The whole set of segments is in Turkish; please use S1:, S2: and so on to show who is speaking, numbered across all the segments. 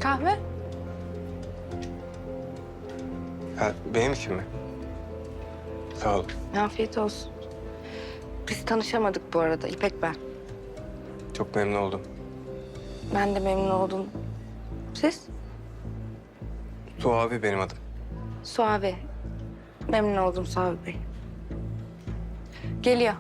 S1: Kahve?
S2: Ha, benim için mi? Sağ ol.
S1: Afiyet olsun. Biz tanışamadık bu arada. İpek ben.
S2: Çok memnun oldum.
S1: Ben de memnun oldum. Siz?
S2: Suavi benim adım.
S1: Suavi. Memnun oldum Suavi Bey. Geliyor.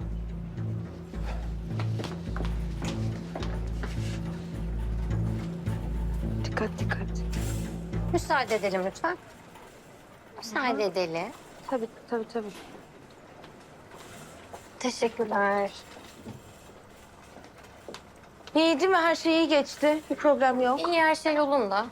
S1: Dikkat dikkat.
S3: Müsaade edelim lütfen. Müsaade edelim.
S1: Tabii tabii tabii.
S3: Teşekkürler.
S1: İyi değil mi? Her şey iyi geçti. Bir problem yok.
S3: İyi, her şey yolunda.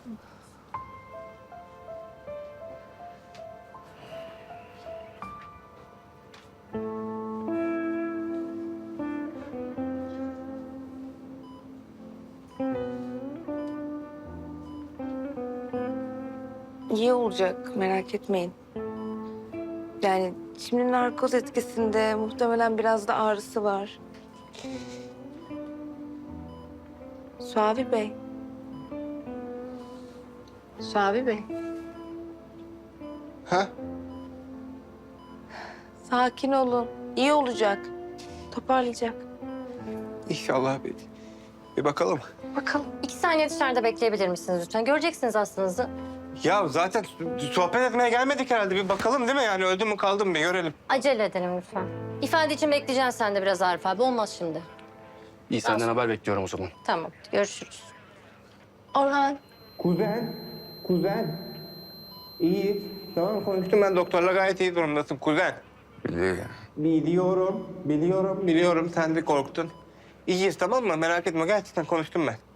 S1: İyi olacak. Merak etmeyin. Yani şimdi narkoz etkisinde muhtemelen biraz da ağrısı var. Suavi Bey. Suavi Bey.
S2: Ha?
S1: Sakin olun. İyi olacak. Toparlayacak.
S2: İnşallah bir bakalım.
S1: Bakalım.
S3: 2 saniye dışarıda bekleyebilir misiniz lütfen? Göreceksiniz hastanızı.
S2: Ya zaten sohbet etmeye gelmedik herhalde. Bir bakalım değil mi? Yani öldü mü kaldı mı bir görelim.
S3: Acele edelim lütfen. İfade için bekleyeceksin sen de biraz Arif abi. Olmaz şimdi.
S4: İyi, senden haber bekliyorum o zaman.
S3: Tamam, görüşürüz.
S1: Orhan.
S2: Kuzen. İyi. Tamam konuştum ben doktorla gayet iyi durumdasın kuzen. Biliyorum. Sen de korktun. İyiyiz tamam mı? Merak etme gerçekten konuştum ben.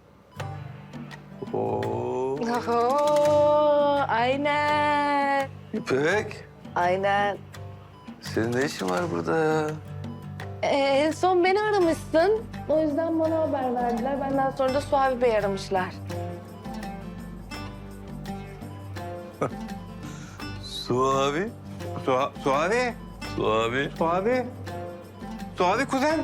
S4: Oo.
S1: Oho, aynen.
S4: İpek,
S1: Aynen.
S4: senin ne işin var burada ya?
S1: En son beni aramışsın. O yüzden bana haber verdiler. Benden sonra da Suavi Bey aramışlar.
S4: Su abi.
S2: Suavi. Suavi kuzen.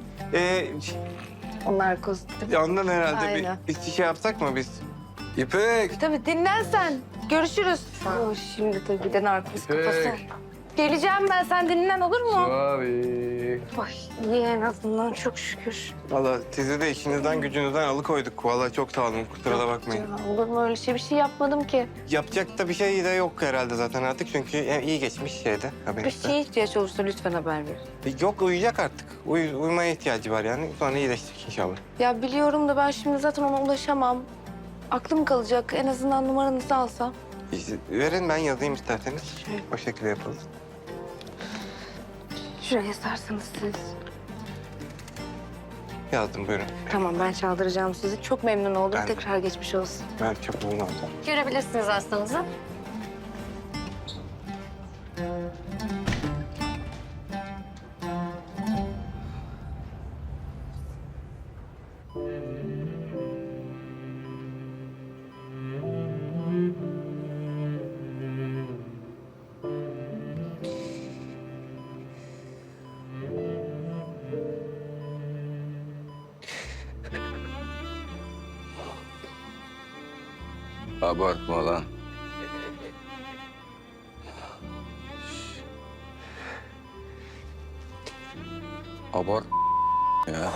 S1: Onlar koz.
S2: Ondan herhalde
S1: Aynen.
S2: bir şey yapsak mı biz?
S4: İpek.
S1: Tabii dinlen sen. Görüşürüz. Şimdi tabii bir de narkoz
S4: İpek.
S1: kafası. Geleceğim ben. Sen dinlen olur mu?
S4: Abi.
S1: Ay iyi en azından çok şükür.
S2: Vallahi sizi de işinizden gücünüzden alıkoyduk. Vallahi çok sağ olun. Kusura da bakmayın.
S1: Ya, olur mu öyle şey? Bir şey yapmadım ki.
S2: Yapacak da bir şey de yok herhalde zaten artık. Çünkü iyi geçmiş şeyde.
S1: Bir
S2: Haberinizde.
S1: şeye ihtiyaç olursa lütfen haber ver.
S2: Yok uyuyacak artık. Uyumaya ihtiyacı var yani. Sonra iyileşecek inşallah.
S1: Ya biliyorum da ben şimdi zaten ona ulaşamam. Aklım kalacak. En azından numaranızı alsam.
S2: İşte verin ben yazayım isterseniz. O şekilde yapalım.
S1: Şuraya sarsanız siz.
S2: Yazdım buyurun.
S1: Tamam ben çaldıracağım sizi. Çok memnun oldum.
S2: Ben de.
S1: Tekrar geçmiş olsun.
S2: Ben çok memnun oldum.
S3: Görebilirsiniz hastanızı.
S4: Abartma lan. Abart ya.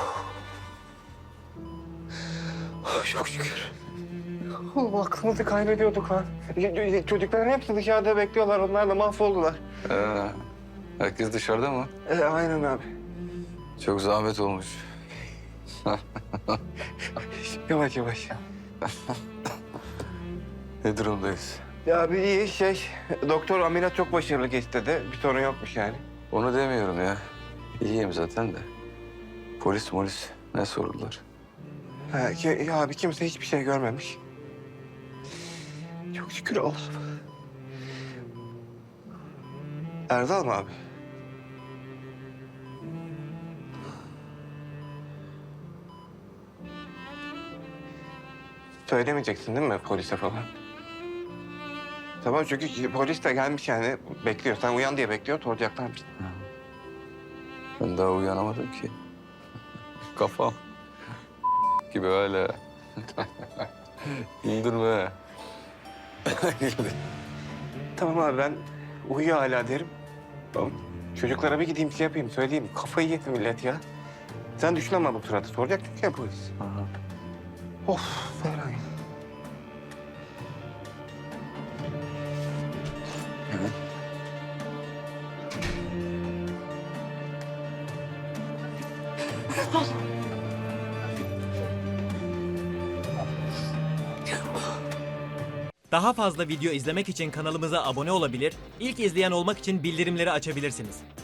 S2: Çok şükür. Allah aklımızı kaybediyorduk ha. Çocukların hepsi dışarıda bekliyorlar. Onlar da mahvoldular.
S4: Herkes dışarıda mı?
S2: Aynen abi.
S4: Çok zahmet olmuş.
S2: Yavaş yavaş.
S4: Ne durumdayız?
S2: Ya bir iyi doktor ameliyat çok başarılı geçti dedi. Bir sorun yokmuş yani.
S4: Onu demiyorum ya. İyiyim zaten de. Polis ne sordular?
S2: Ya abi kimse hiçbir şey görmemiş. Çok şükür Allah'ım. Erdal mı abi? Söylemeyeceksin değil mi polise falan? Tamam çünkü polis de gelmiş yani bekliyor. Sen uyan diye bekliyor soracaklarmış.
S4: Ben daha uyanamadım ki. Kafam gibi öyle. Güldürme.
S2: Tamam abi ben uyuyor hala derim.
S4: Tamam.
S2: Çocuklara bir gideyim şey yapayım söyleyeyim. Kafayı yedi millet ya. Sen düşün ama bu suratı soracaktık ya polis.
S4: Aha.
S2: Of Ferhan.
S4: Evet.
S5: Daha fazla video izlemek için kanalımıza abone olabilir, ilk izleyen olmak için bildirimleri açabilirsiniz.